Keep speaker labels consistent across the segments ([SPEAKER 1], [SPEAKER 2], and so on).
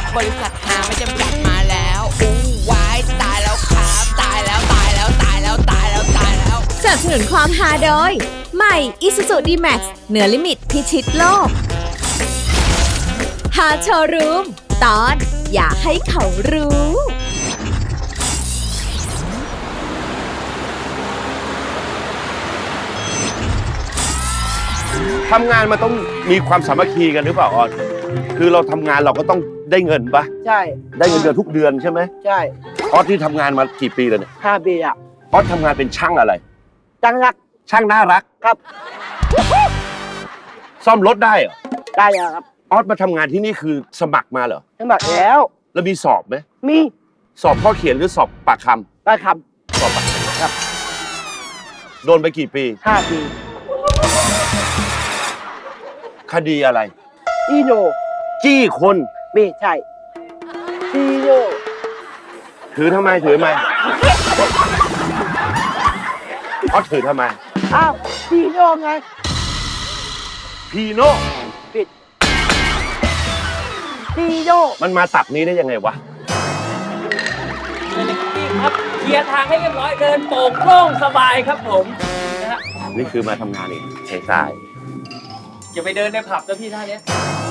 [SPEAKER 1] บริษัทหาไม่จำกัดมาแล้วอู้วายตายแล้วครับตายแล้วตายแล้วตายแล้วตายแล้วตายแล้ว
[SPEAKER 2] สนับสนุนความฮาโดยใหม่ Isuzu D-Max เหนือลิมิตพิชิตโลกฮาโชว์รูมตอนอย่าให้เขารู้
[SPEAKER 3] ทำงานมันต้องมีความสามัคคีกันหรือเปล่าออนคือเราทำงานเราก็ต้องได้เงินปะ
[SPEAKER 4] ใช่
[SPEAKER 3] ได้เงินเดือนทุกเดือนใช่ไหม
[SPEAKER 4] ใช่
[SPEAKER 3] ออสที่ทำงานมากี่ปีแล้วเนี่ย
[SPEAKER 4] 5 ปีอ่ะ
[SPEAKER 3] ออสทำงานเป็นช่างอะไร
[SPEAKER 4] จังรัก
[SPEAKER 3] ช่างน่ารัก
[SPEAKER 4] ครับ
[SPEAKER 3] ซ่อมรถได้เหรอ
[SPEAKER 4] ได้ครับ
[SPEAKER 3] ออสมาทำงานที่นี่คือสมัครมาเหรอ
[SPEAKER 4] สมัครแล้ว
[SPEAKER 3] มีสอบไหม
[SPEAKER 4] มี
[SPEAKER 3] สอบข้อเขียนหรือสอบปากคำ
[SPEAKER 4] ปากค
[SPEAKER 3] สอบปากคำครับโดนไปกี่ปี
[SPEAKER 4] 5 ปี
[SPEAKER 3] คดีอะไร
[SPEAKER 4] อีโน
[SPEAKER 3] จี้คน
[SPEAKER 4] ไม่ใช่อีโน
[SPEAKER 3] ถือทำไมออสถือทำไม
[SPEAKER 4] อ้าวอีโนไง
[SPEAKER 3] พีโน่
[SPEAKER 4] ปิดอีโน
[SPEAKER 3] มันมาตับนี้ได้ยังไงวะ
[SPEAKER 5] พี่ครับเคลียร์ทางให้เรียบร้อยเดินโป่งโล่งสบายครับผมนะฮะ
[SPEAKER 3] นี่คือมาทำงานอีกใช่ใช่
[SPEAKER 5] อย่าไปเดินในผับนะพี่ท่านี้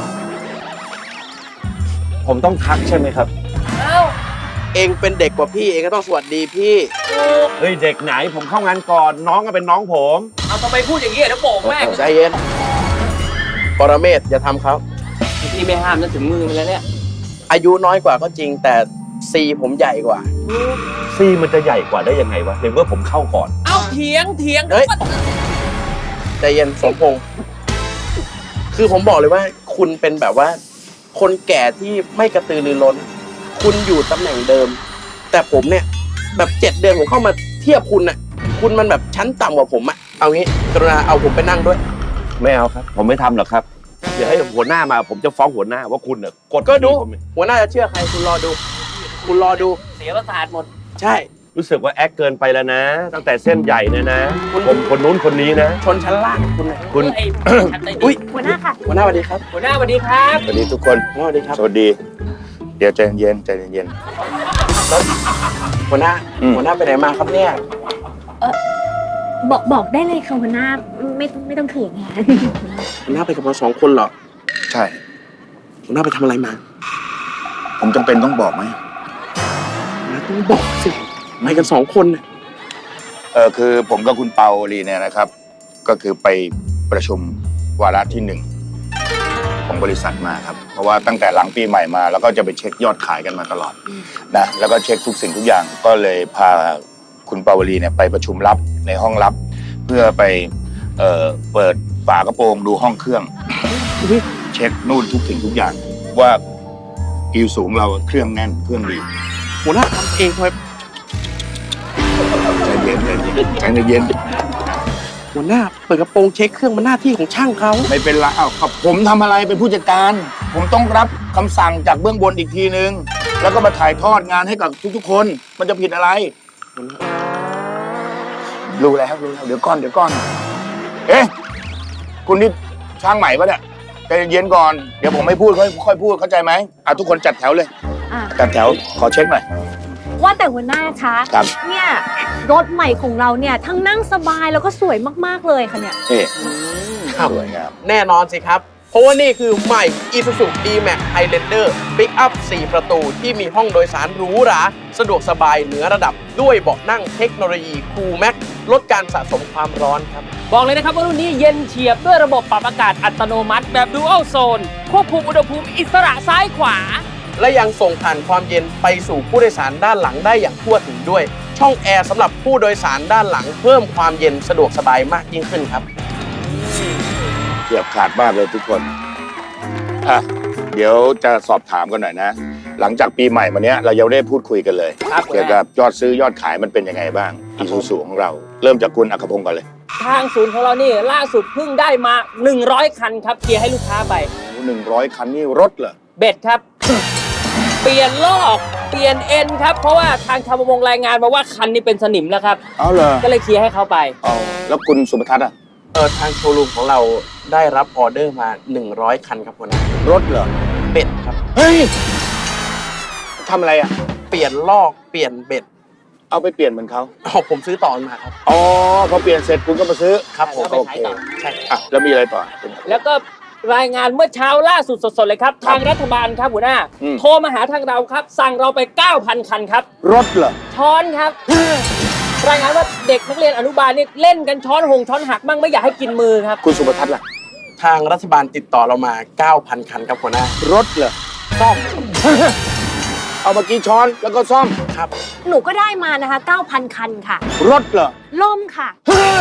[SPEAKER 3] ผมต้องทักใช่ไหมครับ
[SPEAKER 5] เอ้า
[SPEAKER 6] เองเป็นเด็กกว่าพี่เองก็ต้องสวัสดีพี่
[SPEAKER 3] เฮ้ยเด็กไหนผมเข้างานก่อนน้องก็เป็นน้องผม
[SPEAKER 5] เอาทำไมพูดอย่างนี้เดี๋ยวโป่งแม่ง
[SPEAKER 6] ใจเย็นปรเมศอย่าทำเขา
[SPEAKER 5] พี่ไม่ห้ามนั่นถึงมือมันแล้วเนี่ย
[SPEAKER 6] อายุน้อยกว่าก็จริงแต่ซีผมใหญ่กว่า
[SPEAKER 3] ซีมันจะใหญ่กว่าได้ยังไงวะในเมื่อผมเข้าก่อน
[SPEAKER 5] เอาเถียง
[SPEAKER 6] เฮ้ยใจเย็นสมพงษ์คือผมบอกเลยว่าคุณเป็นแบบว่าคนแก่ที่ไม่กระตือรือร้นคุณอยู่ตำแหน่งเดิมแต่ผมเนี่ยแบบ7 เดือนผมเข้ามาเทียบคุณน่ะคุณมันแบบชั้นต่ำกว่าผมอะเอางี้กรุณาเอาผมไปนั่งด้วย
[SPEAKER 3] ไม่เอาครับผมไม่ทำหรอกครับเดี๋ยวให้หัวหน้ามาผมจะฟ้องหัวหน้าว่าคุณเนี่ยกด
[SPEAKER 6] ก็ดูหัวหน้าจะเชื่อใครคุณรอดู
[SPEAKER 5] เสียประสาทหมด
[SPEAKER 6] ใช่
[SPEAKER 3] รู้สึกว่าแอคเกินไปแล้วนะตั้งแต่เส้นใหญ่เนี่ยนะผมคนนู้นคนนี้นะ
[SPEAKER 6] ชนชั้นล่างคุณ
[SPEAKER 5] อุ้ย
[SPEAKER 2] หัวหน้าค่ะ
[SPEAKER 6] หัวหน้าสวัสดีครับ
[SPEAKER 5] หัวหน้าสวัสดีครับ
[SPEAKER 3] สวัสดีทุกคน
[SPEAKER 6] สวัสดีครับ
[SPEAKER 3] สวัสดีเดี๋ยวใจเย็น
[SPEAKER 6] แล้วหัวหน้าไปไหนมาครับเนี่ย
[SPEAKER 2] บอกได้เลยค่ะหัวหน้าไม่ต้องเขินค่ะ
[SPEAKER 6] หัวหน้าไปกับเรา2 คนเหรอ
[SPEAKER 3] ใช่
[SPEAKER 6] หัวหน้าไปทำอะไรมา
[SPEAKER 3] ผมจำเป็นต้องบอกไหม
[SPEAKER 6] ต้องบอกสิไปกัน2 คนเนี่ย
[SPEAKER 3] คือผมกับคุณเปาลีเนี่ยนะครับก็คือไปประชุมวาระที่1ของบริษัทมาครับเพราะว่าตั้งแต่หลังปีใหม่มาแล้วก็จะไปเช็คยอดขายกันมาตลอดนะแล้วก็เช็คทุกสิ่งทุกอย่างก็เลยพาคุณเปาวลีเนี่ยไปประชุมลับในห้องลับเพื่อไปเปิดฝากระโปรงดูห้องเครื่องเช็คนู่นทุกสิ่งทุกอย่างว่าอิวสูงเราเครื่องแน่นเครื่องดี
[SPEAKER 6] หัวหน้าทำเองครับ
[SPEAKER 3] ใจเย็น
[SPEAKER 6] หัวหน้าเปิดกระโปรงเช็คเครื่องมันหน้าที่ของช่างเขา
[SPEAKER 3] ไม่เป็นไรกับผมทำอะไรเป็นผู้จัดการผมต้องรับคำสั่งจากเบื้องบนอีกทีนึงแล้วก็มาถ่ายทอดงานให้กับทุกๆคนมันจะผิดอะไรรู้แล้วเดี๋ยวก่อนเอ๊ะคุณนี่ช่างใหม่ปะเนี่ยใจเย็นก่อนเดี๋ยวผมไม่พูดค่อยพูดเข้าใจไหมทุกคนจัดแถวเลยจัดแถวขอเช็คหน่อย
[SPEAKER 2] ว่าแต่หัวหน้าคะเนี่ยรถใหม่ของเราเนี่ยทั้งนั่งสบายแล้วก็สวยมากๆเลยค่ะเนี่ย
[SPEAKER 3] สวยงาม
[SPEAKER 6] แน่นอนสิครับเพราะว่านี่คือใหม่ Isuzu D-Max Highlander Pick-up 4 ประตูที่มีห้องโดยสารหรูหราสะดวกสบายเหนือระดับด้วยเบาะนั่งเทคโนโลยี Cool Max ลดการสะสมความร้อนครับ
[SPEAKER 5] บอกเลยนะครับว่ารุ่นนี้เย็นเฉียบด้วยระบบปรับอากาศอัตโนมัติแบบ Dual Zone ควบคุมอุณหภูมิอิสระซ้ายขวา
[SPEAKER 6] และยังส่งผ่านความเย็นไปสู่ผู้โดยสารด้านหลังได้อย่างทั่วถึงด้วยช่องแอร์สำหรับผู้โดยสารด้านหลังเพิ่มความเย็นสะดวกสบายมากยิ่งขึ้นครับ
[SPEAKER 3] เกือบขาดมากเลยทุกคนเดี๋ยวจะสอบถามกันหน่อยนะหลังจากปีใหม่มาเนี้ยเรายังได้พูดคุยกันเลยเกี่ยวกับยอดซื้อยอดขายมันเป็นยังไงบ้างอีซูซูของเราเริ่มจากคุณอัครพงศ์ก่อนเลย
[SPEAKER 5] ทางศูนย์ของเรานี่ล่าสุดเพิ่งได้มา100 คันครับเคลียร์ให้ลูกค้าไป
[SPEAKER 3] 100 คันนี่รถเหรอ
[SPEAKER 5] เบ็ดครับ เปลี่ยนลอกเปลี่ยนเอ็นครับเพราะว่าทางชาวประมงรายงานมาว่าคันนี้เป็นสนิมแล้วครับ
[SPEAKER 3] เอาเหรอ
[SPEAKER 5] ก็เลยเคลียร์ให้เขาไป
[SPEAKER 3] แล้วคุณสุภทัศน์
[SPEAKER 6] ทางโชว์รูมของเราได้รับออเดอร์มา100 คันครับหัวหน้าร
[SPEAKER 3] ถเหรอ
[SPEAKER 6] เป็ดครับ
[SPEAKER 3] เฮ้ยทำอะไรอ่ะ
[SPEAKER 6] เปลี่ยนลอกเปลี่ยนเบ็ด
[SPEAKER 3] เอาไปเปลี่ยนเหมือนเขา
[SPEAKER 6] อ๋อผมซื้อต่อมาครับ
[SPEAKER 3] อ๋อพอเปลี่ยนเสร็จคุณก็มาซื้อ
[SPEAKER 6] ครับผม
[SPEAKER 3] โอเค
[SPEAKER 6] ใช่
[SPEAKER 3] อ่ะแล้วมีอะไรต่อ
[SPEAKER 5] แล้วก็รายงานเมื่อเช้าล่าสุดสดๆเลยครับ ทางรัฐบาลครับหัวหน้า โทรมาหาทางเราครับ สั่งเราไป 9,000 คันครับ
[SPEAKER 3] รถเหรอ
[SPEAKER 5] ช้อนครับ รายงานว่าเด็กนักเรียนอนุบาลนี่เล่นกันช้อนหงช้อนหักมั่งไม่อยากให้กินมือครับ
[SPEAKER 3] คุณสุภทัศน์ล่ะ
[SPEAKER 6] ทางรัฐบาลติดต่อเรามา 9,000 คันครับหัวหน้าร
[SPEAKER 3] ถเหรอ
[SPEAKER 6] ซ่อม
[SPEAKER 3] เอามากี่ช้อนแล้วก็ซ่อม
[SPEAKER 6] ครับ
[SPEAKER 2] หนูก็ได้มานะคะ 9,000 คันค่ะ
[SPEAKER 3] รถเหรอ
[SPEAKER 2] ล่มค่ะ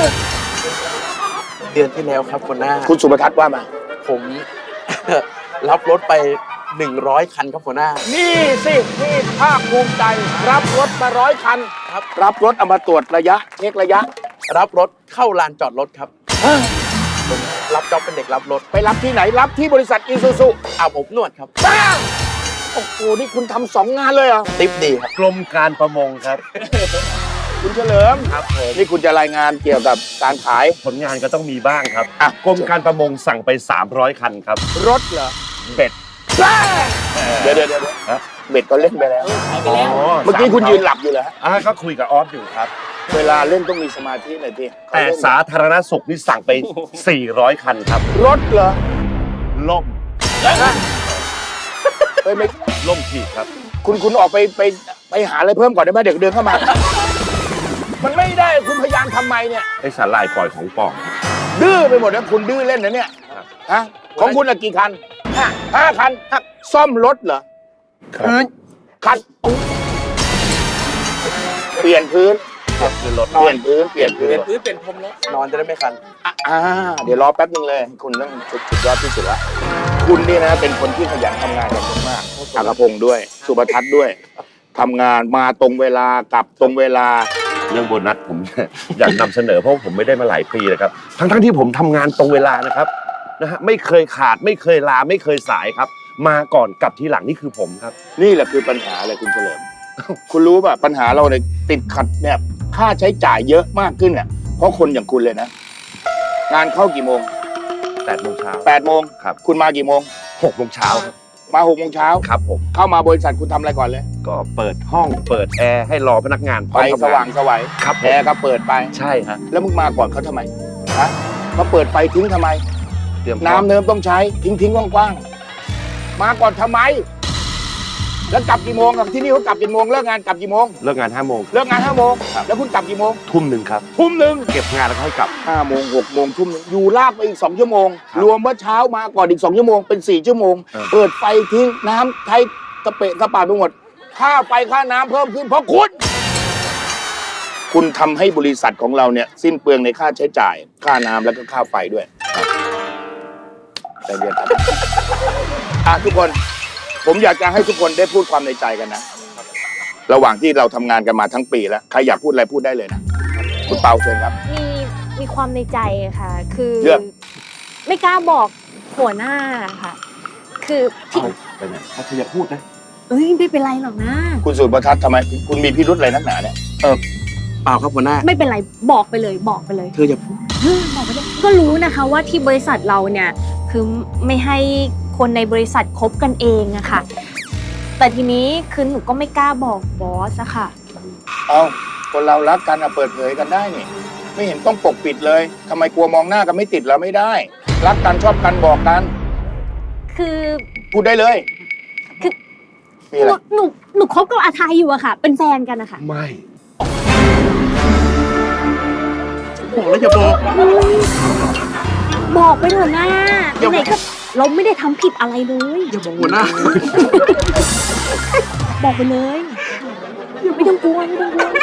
[SPEAKER 6] เดือนที่แล้วครับหัวหน้า
[SPEAKER 3] คุณสุภทัศน์ว่ามา
[SPEAKER 6] ผม รับรถไป 100 คันครับหัวหน้า
[SPEAKER 3] นี่สินี่ภาคภูมิใจ รับรถมา100 คัน
[SPEAKER 6] ครับ
[SPEAKER 3] รับรถเอามาตรวจระยะเช็คระยะ
[SPEAKER 6] รับรถเข้าลานจอดรถครับผมรับจ็อบเป็นเด็กรับรถ
[SPEAKER 3] ไปรับที่ไหนรับที่บริษัทอีซูซู
[SPEAKER 6] อาบอบนวดครับ
[SPEAKER 3] บ้าโอ้โหนี่คุณทำ2 งานเลยเหรอ
[SPEAKER 6] ติปดีครับ
[SPEAKER 7] กรมการประมงครับ
[SPEAKER 3] คุณเฉลิม
[SPEAKER 7] ครับผม
[SPEAKER 3] นี่คุณจะรายงานเกี่ยวกับการขาย
[SPEAKER 7] ผลงานก็ต้องมีบ้างครับ
[SPEAKER 3] อ่ะ
[SPEAKER 7] กรมการประมงสั่งไป 300 คันครับ
[SPEAKER 3] รถเหรอ
[SPEAKER 7] เบ็ด
[SPEAKER 3] บ้าเดี๋ยว
[SPEAKER 7] ฮะ
[SPEAKER 3] เบ็ดก็เล่นไปแล้ว
[SPEAKER 5] หายไปแล้ว
[SPEAKER 3] เมื่อกี้คุณยืนหลับอยู่เหรอฮะ
[SPEAKER 7] ก็คุยกับออฟอยู่ครับ
[SPEAKER 3] เวลาเล่นต้องมีสมาธิหน่อยพี่
[SPEAKER 7] แต่สาธารณสุขนี่สั่งไป 400 คันครับ
[SPEAKER 3] รถเหรอ
[SPEAKER 7] ล่ม
[SPEAKER 3] เฮ้ยไม่
[SPEAKER 7] ล่มขีดครับ
[SPEAKER 3] คุณออกไปหาอะไรเพิ่มก่อนได้ไหมเดี๋ยวเดินเข้ามา มันไม่ได้คุณพยายามทำไมเนี่ย
[SPEAKER 7] ไอ้สาหร่ายปล่อยของปลอม
[SPEAKER 3] ดื้อไปหมดนะคุณดื้อเล่นนะเนี่ย
[SPEAKER 7] ครับ
[SPEAKER 3] ฮะของคุณอะกี่คันห้าคันซ่อมรถเหรอ
[SPEAKER 6] พื้น
[SPEAKER 3] คันเปลี่ยนพื้น
[SPEAKER 7] คือรถ
[SPEAKER 3] เปลี่ยนพื้นเปลี่ยนพื้น
[SPEAKER 5] พื้นเป็นพรมรถ
[SPEAKER 6] นอนจะได้ไม่คัน
[SPEAKER 3] เดี๋ยวรอแป๊บนึงเลย คุณต้องสุดยอดที่สุดละคุณนี่นะเป็นคนที่ขยันทำงานกันมากอากพงศ์ด้วย สุภทัศน์ด้วยทำงานมาตรงเวลากลับตรงเวลา
[SPEAKER 7] เรื่องโบนัสผม อยากนำเสนอเพราะผมไม่ได้มาหลายปีเลยครับ ทั้งที่ผมทำงานตรงเวลานะครับนะฮะไม่เคยขาดไม่เคยลาไม่เคยสายครับ มาก่อนกลับทีหลังนี่คือผมครับ
[SPEAKER 3] นี่แหละคือปัญหาเลยคุณเฉลิม คุณรู้ป่ะปัญหาเราเนี่ยติดขัดเนี่ยค่าใช้จ่ายเยอะมากขึ้นเนี่ยเพราะคนอย่างคุณเลยนะ งานเข้ากี่โมง
[SPEAKER 7] 8 โมงเช้า
[SPEAKER 3] 8 โมง
[SPEAKER 7] ครับ
[SPEAKER 3] คุณมากี่โมง
[SPEAKER 7] 6 โมงเช้าครับ
[SPEAKER 3] มา6 โมงเช้า
[SPEAKER 7] ครับผม
[SPEAKER 3] เข้ามาบริษัทคุณทำอะไรก่อนเลย
[SPEAKER 7] ก็เปิดห้องเปิดแอร์ให้รอพนักงานพร้
[SPEAKER 3] ไป
[SPEAKER 7] อมทำ
[SPEAKER 3] สว่างสวัย
[SPEAKER 7] ครับผ
[SPEAKER 3] แอ
[SPEAKER 7] ม
[SPEAKER 3] ร์ก็เปิดไป
[SPEAKER 7] ใช่ฮะ
[SPEAKER 3] แล้วมึงมาก่อนเขาทำไมฮะมาเปิดไฟทิ้งทำไม
[SPEAKER 7] เตรียมพร้อม
[SPEAKER 3] น้ำเนิมต้องใช้ทิ้งกว้างๆมาก่อนทำไม แล้วกลับกี่โมงกับที่นี่เขากลับกี่โมงเลิกงานกลับกี่โมง
[SPEAKER 7] เลิกงาน5 โมง
[SPEAKER 3] เลิกงาน5 โมง
[SPEAKER 7] ครับ
[SPEAKER 3] แล้วคุณกลับกี่โมง
[SPEAKER 7] ทุ่มหนึ่งครับ
[SPEAKER 3] ทุ่มหนึ่ง
[SPEAKER 7] เก็บงานแล้วก็ให้กลับ
[SPEAKER 3] 5 โมง 6 โมงทุ่มหนึ่งอยู่ลากไปอีก2 ชั่วโมง
[SPEAKER 7] ครับ
[SPEAKER 3] รวมว่าเช้ามาก่อนอีก2 ชั่วโมงเป็น4 ชั่วโมง เปิดไฟทิ้งน้ำใช้กระเปะกระปาไปหมดค่าไฟค่าน้ำเพิ่มขึ้นเพราะคุณทำให้บริษัทของเราเนี่ยสิ้นเปลืองในค่าใช้จ่าย ค่าน้ำแล้วก็ค่าไฟด้วยใจเย็นครับทุกคนผมอยากจะให้ทุกคนได้พูดความในใจกันนะระหว่างที่เราทำงานกันมาทั้งปีแล้วใครอยากพูดอะไรพูดได้เลยนะคุณเปาเชิญครับ
[SPEAKER 2] มีความในใจค่ะ คือ
[SPEAKER 3] เรื่อง
[SPEAKER 2] ไม่กล้าบอกหัวหน้าค่ะ คือที่
[SPEAKER 7] ไปไหนถ้าเธออยากพูดนะ
[SPEAKER 2] เอ้ยไม่เป็นไรหรอกนะ
[SPEAKER 3] คุณสุประทัศน์ทำไมคุณมีพิรุธอะไรนักหนาเนี่ย
[SPEAKER 6] เปล่าครับหัวหน้า
[SPEAKER 2] ไม่เป็นไรบอกไปเลยบอกไปเลย
[SPEAKER 6] เธออย่าพูด
[SPEAKER 2] บอกไปเลยก็รู้นะคะว่าที่บริษัทเราเนี่ยคือไม่ให้คนในบริษัทคบกันเองอะค่ะ แต่ทีนี้คือหนูก็ไม่กล้าบอกบอสอะค่ะ
[SPEAKER 3] เอาคนเรารักกันอะเปิดเผยกันได้นี่ไม่เห็นต้องปกปิดเลยทำไมกลัวมองหน้ากันไม่ติดแล้วไม่ได้ รักกันชอบกันบอกกัน
[SPEAKER 2] คือ
[SPEAKER 3] พูดได้เลย
[SPEAKER 2] คือ
[SPEAKER 3] มีอะไร
[SPEAKER 2] หนูคบกับอาทายอยู่อะค่ะ เป็นแฟนกันอะค่ะ
[SPEAKER 7] ไม่
[SPEAKER 6] บอกแล้วอย่าบอก
[SPEAKER 2] บอกไปเถอะนะไหนๆก็เราไม่ได้ทำผิดอะไรเลย
[SPEAKER 6] อย่าบอกหัวหน้า
[SPEAKER 2] บอกไปเลย ไม่ต้องกลัวไม่ต้องกลัว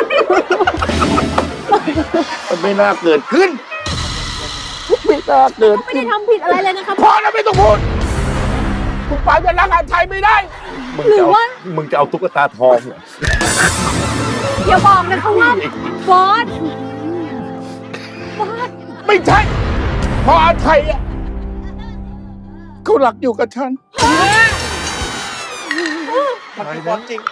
[SPEAKER 3] มันไม่น่าเกิดขึ้นไม่น่าเกิด
[SPEAKER 2] ไม่ได้ทำผิดอะไรเลยนะคะ
[SPEAKER 3] พอแล้วไม่ต้องพูดคุณปาจะรักอาชัยไม่ได้
[SPEAKER 2] หรือว่า
[SPEAKER 7] มึงจะเอาตุ๊กตาทองเหรอ
[SPEAKER 2] อย่าบอกนะคะว่าบอส
[SPEAKER 3] ไม่ใช่เพราะอาชัยอะเขาหลักอยู่กับฉัน
[SPEAKER 6] มันคือความจริง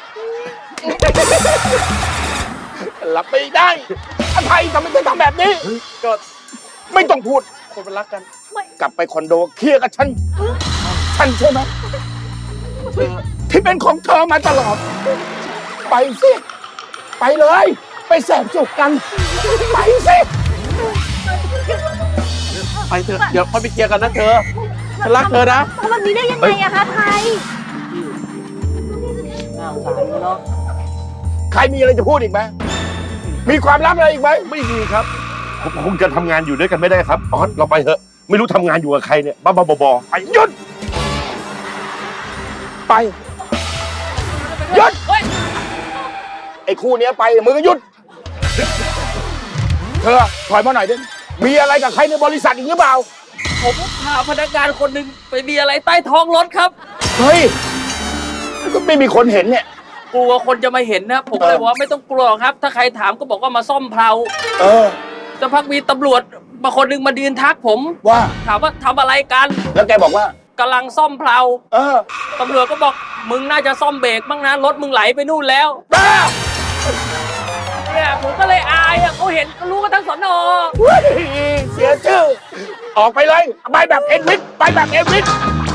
[SPEAKER 3] รับไม่ได้อาชัยทำไมถึงทำแบบนี้
[SPEAKER 6] ก็
[SPEAKER 3] ไม่ต้องพูด
[SPEAKER 6] คนมันรักกัน
[SPEAKER 3] กลับไปคอนโดเคลียร์กับฉัน ฉันใช่ไหม
[SPEAKER 6] เธอ
[SPEAKER 3] ทิเป็นของเธอมาตลอด ไปสิ ไปเลย ไปแสบสุขกัน ไปสิ
[SPEAKER 6] ไปเถอะเดี๋ยวค่อยไปเคลียร์กันนะเธอฉันรักเธอนะ
[SPEAKER 2] ทำแบบนี้ได้ยังไงอะคะไทย
[SPEAKER 5] น่าสงสารเนาะ
[SPEAKER 3] ใครมีอะไรจะพูดอีกไหม มีความลับอะไรอีกไหม
[SPEAKER 7] ไม่มีครับผมคงจะทำงานอยู่ด้วยกันไม่ได้ครับออสเราไปเถอะไม่รู้ทำงานอยู่กับใครเนี่ยบ้าๆบอๆไปหยุด
[SPEAKER 3] ไปหยุดไอ้คู่เนี้ยไปมึงก็หยุด เธอถอยมาหน่อยดิมีอะไรกับใครในบริษัทอีกหรือเปล่า
[SPEAKER 5] ผมพาพนักงานคนหนึ่งไปมีอะไรใต้ท้องรถครับ
[SPEAKER 3] เฮ้ยก็ไม่มีคนเห็นเนี่ย
[SPEAKER 5] กลัวคนจะมาเห็นนะผมเลยบอกว่าไม่ต้องกลัวครับ ถ้าใครถามก็บอกว่ามาซ่อมเพลา
[SPEAKER 3] เออ
[SPEAKER 5] สักพักมีตำรวจมาคนหนึ่งมายืนทักผม
[SPEAKER 3] ว่า
[SPEAKER 5] ถามว่าทำอะไรกัน
[SPEAKER 3] แล้วแกบอกว่า
[SPEAKER 5] กำลังซ่อมเพลา
[SPEAKER 3] เออ
[SPEAKER 5] ตำรวจก็บอกมึงน่าจะซ่อมเบรกบ้างนะรถมึงไหลไปนู่นแล้ว
[SPEAKER 3] บ้า
[SPEAKER 5] เนี่ยผมก็เลยอายอ่ะเขาเห็นเขารู้กันทั้งสนอ
[SPEAKER 3] เฮ้ยเสียชื่อ ออกไปเลย ไปแบบเอ็นวิทไปแบบเอ็นวิท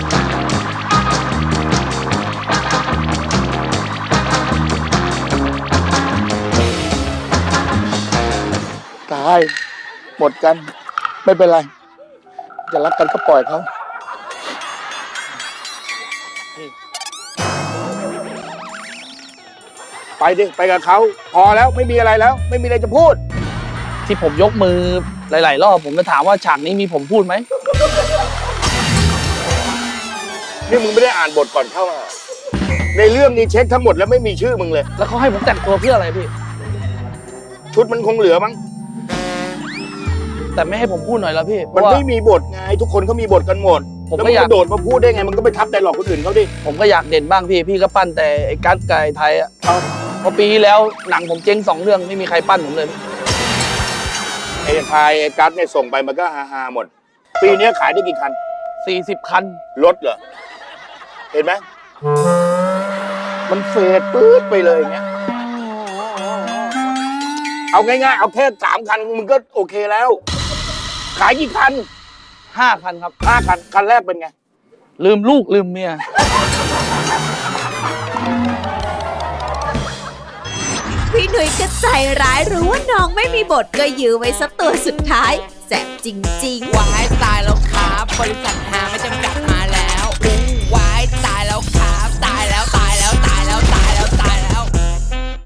[SPEAKER 3] ตาย หมดกัน ไม่เป็นไร จะรักกันก็ปล่อยเขา ไปดิ ไปกับเขา พอแล้วไม่มีอะไรแล้ว ไม่มีอะไรจะพูด
[SPEAKER 6] ที่ผมยกมือหลาย ๆ รอบผมจะถามว่าฉากนี้มีผมพูดไหม
[SPEAKER 3] นี่มึงไม่ได้อ่านบทก่อนเข้ามาในเรื่องนี้เช็คทั้งหมดแล้วไม่มีชื่อมึงเลย
[SPEAKER 6] แล้วเขาให้ผมแต่งตัวเพื่ออะไรพี่
[SPEAKER 3] ชุดมันคงเหลือมั้ง
[SPEAKER 6] แต่ไม่ให้ผมพูดหน่อยแล้วพี่เพ
[SPEAKER 3] มัน
[SPEAKER 6] ราะว่า
[SPEAKER 3] ไม่มีบทไง ทุกคนเขามีบทกันหมด
[SPEAKER 6] ผม
[SPEAKER 3] แล้ว
[SPEAKER 6] ก็
[SPEAKER 3] มึง
[SPEAKER 6] อยาก
[SPEAKER 3] กระโดดมาพูดได้ไง มันก็ไปทับแต่หลอกคนอื่นเขาดิ
[SPEAKER 6] ผมก็อยากเด่นบ้างพี่ พี่ก็ปั้นแต่ไอ้กัสไก่ไทยอ่ะเพราะปีที่แล้วหนังผมเจ๊ง2 เรื่องไม่มีใครปั้นผมเลย
[SPEAKER 3] ไอ้ทายไอ้กัสเนี่ยส่งไปมันก็ฮาๆหมด ปีนี้ขายได้กี่คัน
[SPEAKER 6] 40 คัน
[SPEAKER 3] รถเหรอ เห็นไหม มันเฟดปื๊ดไปเลยอย่างเงี้ย เอาง่ายๆ เอาแค่3 คันมึงก็โอเคแล้ว ขายกี่คัน
[SPEAKER 6] 5 คันครับ
[SPEAKER 3] 5 คัน คันแรกเป็นไง
[SPEAKER 6] ลืมลูกลืมเมีย
[SPEAKER 8] พี่หนุ่ยก็ใจร้ายรู้ว่าน้องไม่มีบทก็ยื้อไว้สักตัวสุดท้ายแสบจริงๆ
[SPEAKER 1] วายตายแล้วครับบริษัทหาไม่